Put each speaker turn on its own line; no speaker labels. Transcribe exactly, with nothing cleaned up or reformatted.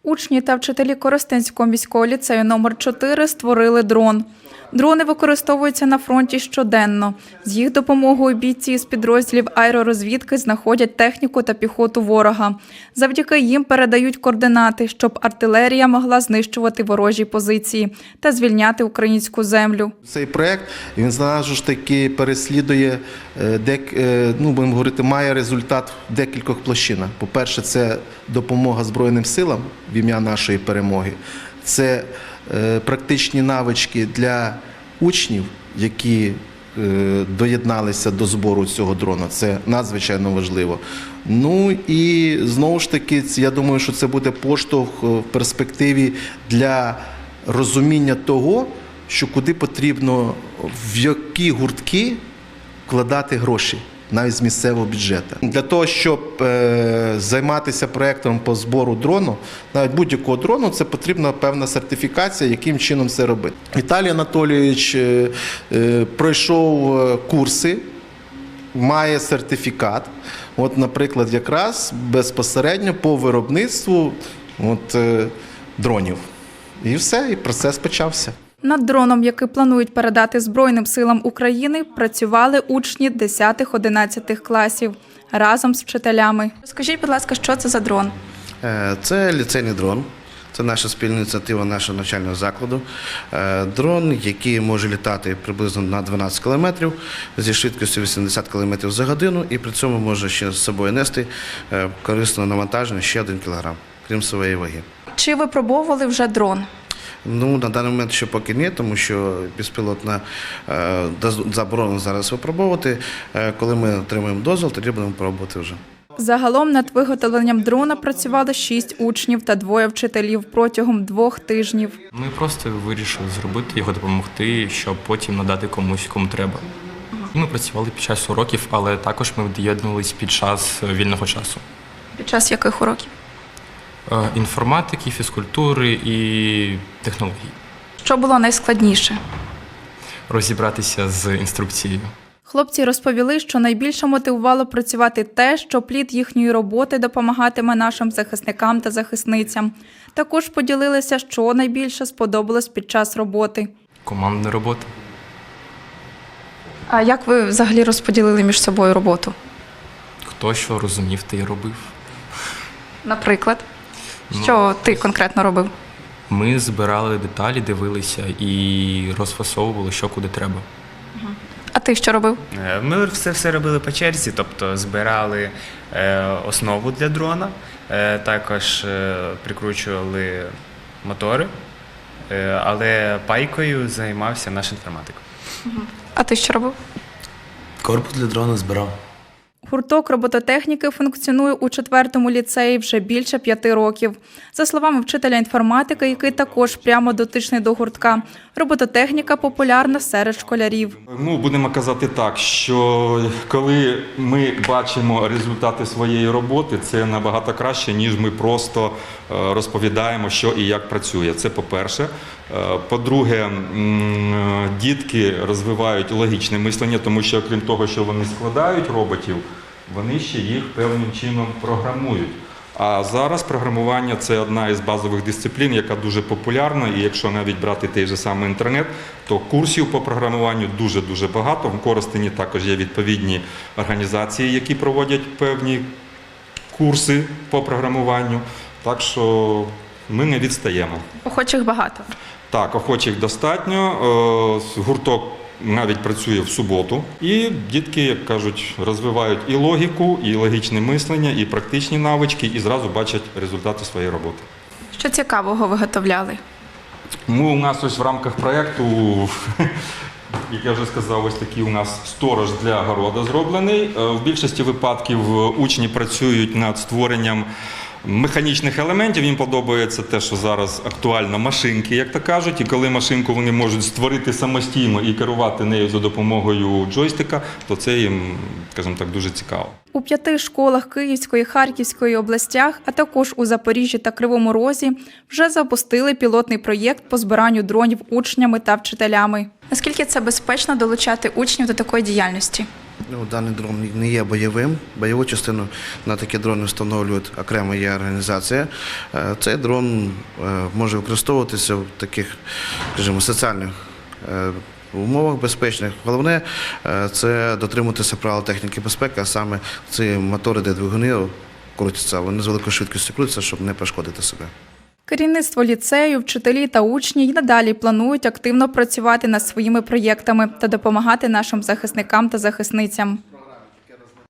Учні та вчителі Коростенського міського ліцею номер чотири створили дрон. Дрони використовуються на фронті щоденно. З їх допомогою бійці з підрозділів аеророзвідки знаходять техніку та піхоту ворога. Завдяки їм передають координати, щоб артилерія могла знищувати ворожі позиції та звільняти українську землю.
Цей проект, він зразу ж таки переслідує, ну, будемо говорити, має результат в декількох площинах. По-перше, це допомога Збройним силам в ім'я нашої перемоги. Це практичні навички для учнів, які доєдналися до збору цього дрона. Це надзвичайно важливо. Ну і знову ж таки, я думаю, що це буде поштовх в перспективі для розуміння того, що куди потрібно, в які гуртки вкладати гроші, навіть з місцевого бюджету. Для того, щоб е, займатися проєктом по збору дрону, навіть будь-якого дрону, це потрібна певна сертифікація, яким чином це робити. Віталій Анатолійович е, е, пройшов курси, має сертифікат, от, наприклад, якраз безпосередньо по виробництву от, е, дронів. І все, і процес почався.
Над дроном, який планують передати Збройним силам України, працювали учні десятих-одинадцятих класів разом з вчителями. Скажіть, будь ласка, що це за дрон?
Це ліцейний дрон. Це наша спільна ініціатива нашого навчального закладу. Дрон, який може літати приблизно на дванадцять кілометрів зі швидкістю вісімдесят кілометрів за годину, і при цьому може ще з собою нести корисне навантаження ще один кілограм, крім своєї ваги.
Чи випробовували вже дрон?
Ну, на даний момент ще поки ні, тому що безпілотна е, заборонено зараз випробовувати. Е, коли ми отримаємо дозвіл, тоді будемо пробувати вже.
Загалом над виготовленням дрона працювали шість учнів та двоє вчителів протягом двох тижнів.
Ми просто вирішили зробити його, допомогти, щоб потім надати комусь, кому треба. Ми працювали під час уроків, але також ми доєднувалися під час вільного часу.
Під час яких уроків?
Інформатики, фізкультури і технологій.
Що було найскладніше?
Розібратися з інструкцією.
Хлопці розповіли, що найбільше мотивувало працювати те, що плід їхньої роботи допомагатиме нашим захисникам та захисницям. Також поділилися, що найбільше сподобалось під час роботи.
Командна робота.
А як ви взагалі розподілили між собою роботу?
Хто що розумів, те й робив.
Наприклад? Що ти конкретно робив?
Ми збирали деталі, дивилися і розфасовували, що куди треба.
А ти що робив?
Ми все все робили по черзі, тобто збирали е, основу для дрона, е, також е, прикручували мотори, е, але пайкою займався наш інформатик.
А ти що робив?
Корпус для дрона збирав.
Гурток робототехніки функціонує у четвертому ліцеї вже більше п'яти років. За словами вчителя інформатики, який також прямо дотичний до гуртка, робототехніка популярна серед школярів.
Ну, будемо казати так, що коли ми бачимо результати своєї роботи, це набагато краще, ніж ми просто розповідаємо, що і як працює. Це по-перше. По-друге, дітки розвивають логічне мислення, тому що, окрім того, що вони складають роботів, вони ще їх певним чином програмують. А зараз програмування – це одна із базових дисциплін, яка дуже популярна, і якщо навіть брати той же самий інтернет, то курсів по програмуванню дуже-дуже багато. В Коростені також є відповідні організації, які проводять певні курси по програмуванню, так що ми не відстаємо.
Охочих багато.
Так, охочих достатньо. Гурток навіть працює в суботу. І дітки, як кажуть, розвивають і логіку, і логічне мислення, і практичні навички, і зразу бачать результати своєї роботи.
Що цікавого виготовляли?
Ми у нас ось в рамках проєкту, як я вже сказав, ось такий у нас сторож для города зроблений. В більшості випадків учні працюють над створенням механічних елементів. Їм подобається те, що зараз актуально машинки, як то кажуть, і коли машинку вони можуть створити самостійно і керувати нею за допомогою джойстика, то це їм, скажімо так, дуже цікаво.
У п'яти школах Київської, Харківської областях, а також у Запоріжжі та Кривому Розі вже запустили пілотний проєкт по збиранню дронів учнями та вчителями. Наскільки це безпечно долучати учнів до такої діяльності?
Ну, даний дрон не є бойовим. Бойову частину на такі дрони встановлюють окремо є організація. Е, Цей дрон е, може використовуватися в таких, скажімо, соціальних е, умовах безпечних. Головне е, це дотримуватися правил техніки безпеки, а саме ці мотори, де двигуни крутяться, вони з великою швидкістю крутяться, щоб не пошкодити себе.
Керівництво ліцею, вчителі та учні й надалі планують активно працювати над своїми проєктами та допомагати нашим захисникам та захисницям.